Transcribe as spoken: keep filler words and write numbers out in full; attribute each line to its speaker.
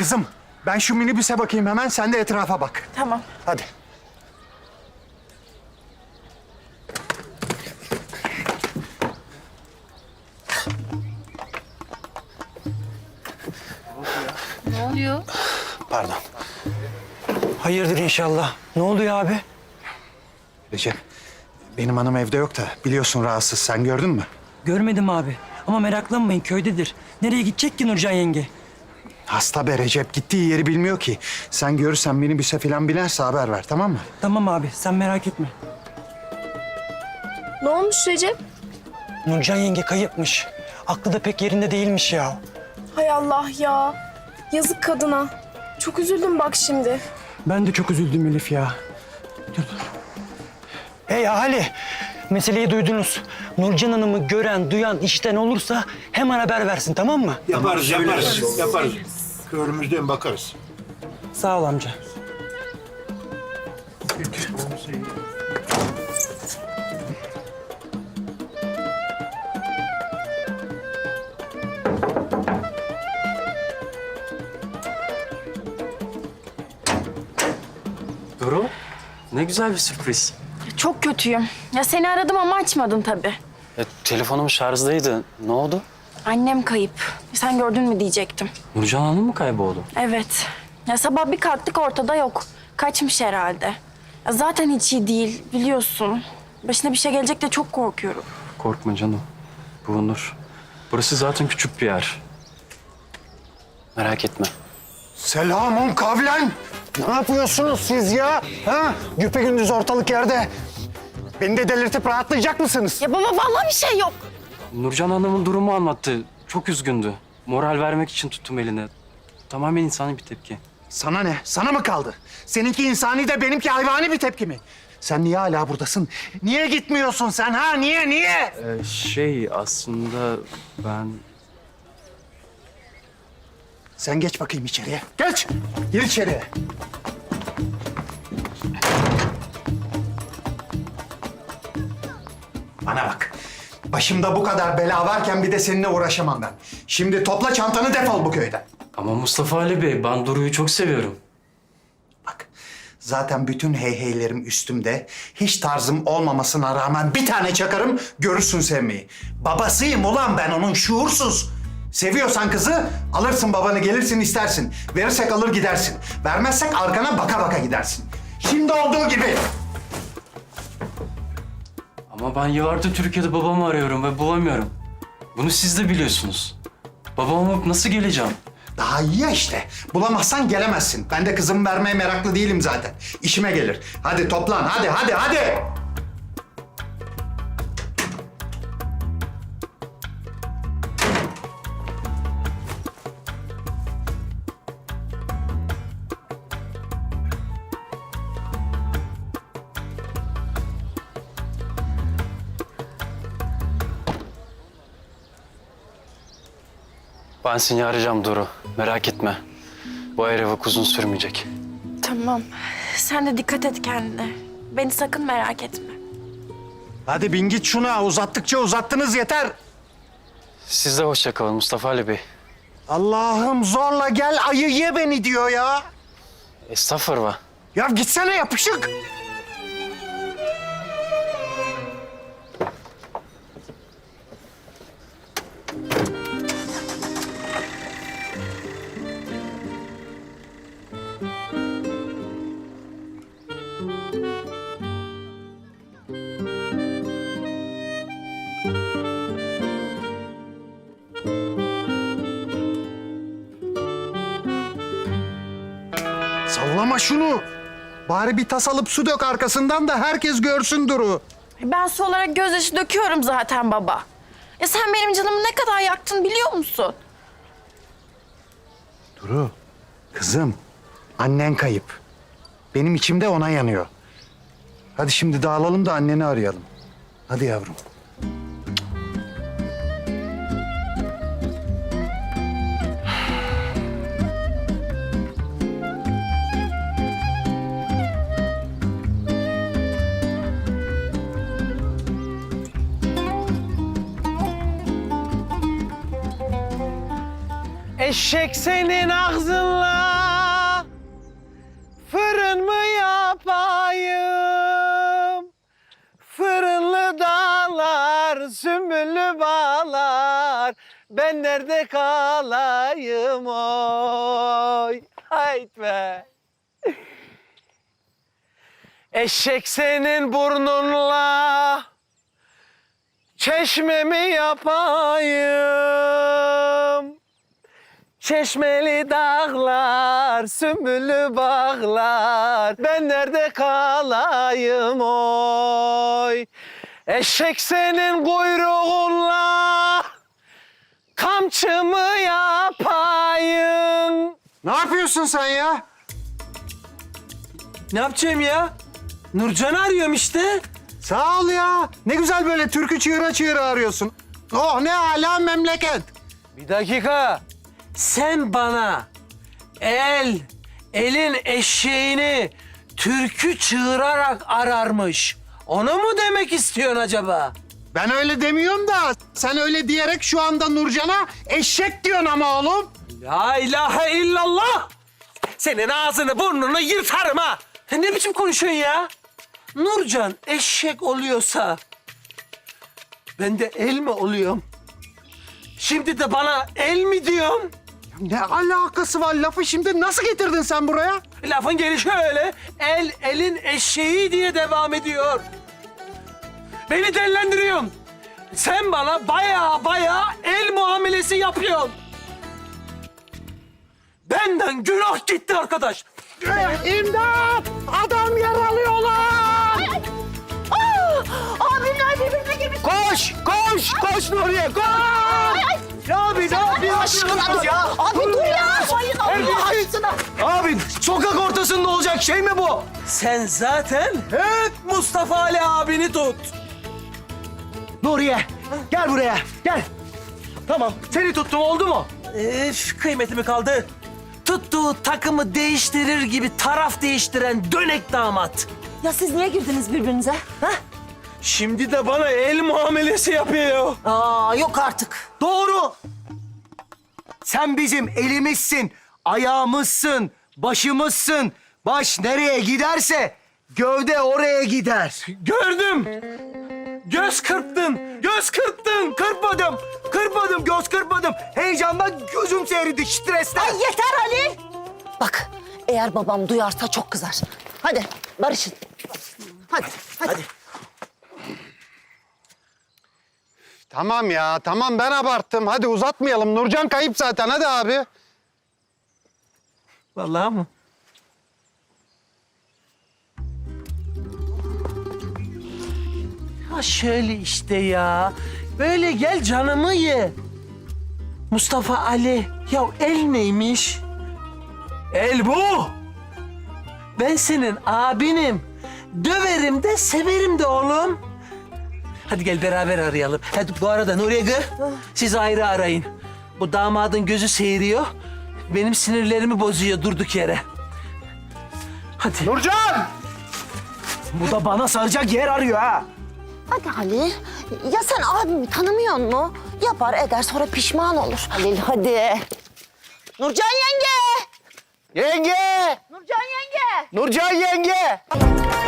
Speaker 1: Kızım, ben şu minibüse bakayım hemen, sen de etrafa bak.
Speaker 2: Tamam.
Speaker 1: Hadi.
Speaker 2: Ne oluyor?
Speaker 1: Pardon.
Speaker 3: Hayırdır inşallah. Ne oluyor abi?
Speaker 1: Recep, benim hanım evde yok da biliyorsun rahatsız. Sen gördün mü?
Speaker 3: Görmedim abi. Ama meraklanmayın, köydedir. Nereye gidecek ki Nurcan yenge?
Speaker 1: Hasta be Recep, gittiği yeri bilmiyor ki. Sen görürsen minibüse falan binerse haber ver, tamam mı?
Speaker 3: Tamam abi, sen merak etme.
Speaker 2: Ne olmuş Recep?
Speaker 3: Nurcan yenge kayıpmış. Aklı da pek yerinde değilmiş ya.
Speaker 2: Hay Allah ya. Yazık kadına. Çok üzüldüm bak şimdi.
Speaker 3: Ben de çok üzüldüm Elif ya. Dur. Hey ahali, meseleyi duydunuz. Nurcan Hanım'ı gören, duyan, işten olursa hemen haber versin, tamam mı?
Speaker 4: Yaparız, yaparız, yaparız. Körümüzden bakarız.
Speaker 3: Sağ ol amca.
Speaker 5: Duru, ne güzel bir sürpriz.
Speaker 2: Çok kötüyüm. Ya seni aradım ama açmadın tabii.
Speaker 5: E, telefonum şarjdaydı. Ne oldu?
Speaker 2: Annem kayıp. Sen gördün mü diyecektim.
Speaker 5: Nurcan Hanım mı kayboldu?
Speaker 2: Evet. Ya sabah bir kalktık ortada yok. Kaçmış herhalde. Ya zaten hiç iyi değil biliyorsun. Başına bir şey gelecek de çok korkuyorum.
Speaker 5: Korkma canım. Bulunur. Burası zaten küçük bir yer. Merak etme.
Speaker 1: Selamun kavlen. Ne yapıyorsunuz siz ya? Ha? Güpegündüz ortalık yerde. Beni de delirtip rahatlayacak mısınız?
Speaker 2: Ya baba vallahi bir şey yok.
Speaker 5: Nurcan Hanım'ın durumu anlattı. Çok üzgündü. Moral vermek için tuttum eline. Tamamen insani bir tepki.
Speaker 1: Sana ne? Sana mı kaldı? Seninki insani de benimki hayvani bir tepki mi? Sen niye hala buradasın? Niye gitmiyorsun sen ha? Niye, niye?
Speaker 5: Ee, şey aslında ben...
Speaker 1: Sen geç bakayım içeriye. Geç. Gir içeriye. Bana bak. Başımda bu kadar bela varken bir de seninle uğraşamam ben. Şimdi topla çantanı, defol bu köyden.
Speaker 5: Ama Mustafa Ali Bey, ben Duru'yu çok seviyorum.
Speaker 1: Bak, zaten bütün heyheylerim üstümde. Hiç tarzım olmamasına rağmen bir tane çakarım, görürsün sevmeyi. Babasıyım ulan ben onun, şuursuz. Seviyorsan kızı alırsın, babanı gelirsin istersin. Verirsek alır gidersin. Vermezsek arkana baka baka gidersin. Şimdi olduğu gibi.
Speaker 5: Ama ben yıllardır Türkiye'de babamı arıyorum ve bulamıyorum. Bunu siz de biliyorsunuz. Babama bulup nasıl geleceğim?
Speaker 1: Daha iyi ya işte. Bulamazsan gelemezsin. Ben de kızımı vermeye meraklı değilim zaten. İşime gelir. Hadi toplan, hadi, hadi, hadi.
Speaker 5: Ben seni arayacağım Duru. Merak etme. Bu ayrılık uzun sürmeyecek.
Speaker 2: Tamam. Sen de dikkat et kendine. Beni sakın merak etme.
Speaker 1: Hadi bin git şuna. Uzattıkça uzattınız, yeter.
Speaker 5: Siz de hoşça kalın Mustafa Ali Bey.
Speaker 1: Allah'ım zorla gel ayı ye beni diyor ya.
Speaker 5: Estağfurullah.
Speaker 1: Ya gitsene yapışık. Sallama şunu. Bari bir tas alıp su dök arkasından da herkes görsün Duru.
Speaker 2: Ben su olarak gözyaşı döküyorum zaten baba. Ya sen benim canımı ne kadar yaktın biliyor musun?
Speaker 1: Duru, kızım, annen kayıp. Benim içimde ona yanıyor. Hadi şimdi dağılalım da anneni arayalım. Hadi yavrum.
Speaker 3: Eşek senin ağzınla fırın mı yapayım? Fırınlı dağlar, sümbüllü bağlar, ben nerede kalayım oy? Hayt be! Eşek senin burnunla çeşme mi yapayım? Çeşmeli dağlar, sümbüllü bağlar, ben nerede kalayım oy? Eşek senin kuyruğunla kamçı mı yapayım?
Speaker 1: Ne yapıyorsun sen ya?
Speaker 3: Ne yapacağım ya? Nurcan'ı arıyorum işte.
Speaker 1: Sağ ol ya. Ne güzel böyle türkü çığıra çığıra arıyorsun. Oh ne âlâ memleket.
Speaker 3: Bir dakika. Sen bana el, elin eşeğini türkü çığırarak ararmış. Onu mu demek istiyorsun acaba?
Speaker 1: Ben öyle demiyorum da sen öyle diyerek şu anda Nurcan'a eşek diyorsun ama oğlum.
Speaker 3: La ilahe illallah! Senin ağzını burnunu yırtarım ha! Ne biçim konuşuyorsun ya? Nurcan eşek oluyorsa ben de el mi oluyorum? Şimdi de bana el mi diyorsun?
Speaker 1: Ne alakası var? Lafı şimdi nasıl getirdin sen buraya?
Speaker 3: Lafın gelişi öyle. El elin eşeği diye devam ediyor. Beni dellendiriyorsun. Sen bana baya baya el muamelesi yapıyorsun. Benden günah gitti arkadaş.
Speaker 1: İmdat! Adam yaralıyorlar!
Speaker 6: Abimler birbirine girmiş.
Speaker 3: Koş, koş, koş Nuriye, koş! Abi ne yapıyorsun
Speaker 6: Aşkına dur.
Speaker 3: ya?
Speaker 6: Abi dur ya. Hayır Allah aşkına.
Speaker 3: Abi sokak ortasında olacak şey mi bu? Sen zaten hep Mustafa Ali abini tut. Nuriye gel buraya gel. Tamam seni tuttum oldu mu? Üf kıymetimi kaldı. Tuttuğu takımı değiştirir gibi taraf değiştiren dönek damat.
Speaker 6: Ya siz niye girdiniz birbirinize? Ha?
Speaker 3: Şimdi de bana el muamelesi yapıyor.
Speaker 6: Aa yok artık.
Speaker 3: Doğru. Sen bizim elimizsin, ayağımızsın, başımızsın. Baş nereye giderse gövde oraya gider. Gördüm. Göz kırptın, göz kırptın. Kırpmadım, kırpmadım, göz kırpmadım. Heyecandan gözüm seyredi, stresten.
Speaker 6: Ay yeter Ali. Bak eğer babam duyarsa çok kızar. Hadi barışın. Hadi hadi.
Speaker 3: Hadi.
Speaker 1: Tamam ya, tamam ben abarttım. Hadi uzatmayalım. Nurcan kayıp zaten. Hadi abi.
Speaker 3: Vallahi mı? Ha şöyle işte ya. Böyle gel canımı ye. Mustafa Ali. Ya el neymiş? El bu. Ben senin abinim. Döverim de severim de oğlum. Hadi gel beraber arayalım. Hadi bu arada Nuriye gı, siz ayrı arayın. Bu damadın gözü seyiriyor. Benim sinirlerimi bozuyor durduk yere. Hadi.
Speaker 1: Nurcan!
Speaker 3: Bu da bana saracak yer arıyor ha.
Speaker 6: Hadi Halil. Ya sen abimi tanımıyor mu? Yapar eder sonra pişman olur. Halil hadi. Nurcan yenge.
Speaker 3: Yenge!
Speaker 6: Nurcan yenge.
Speaker 3: Nurcan yenge!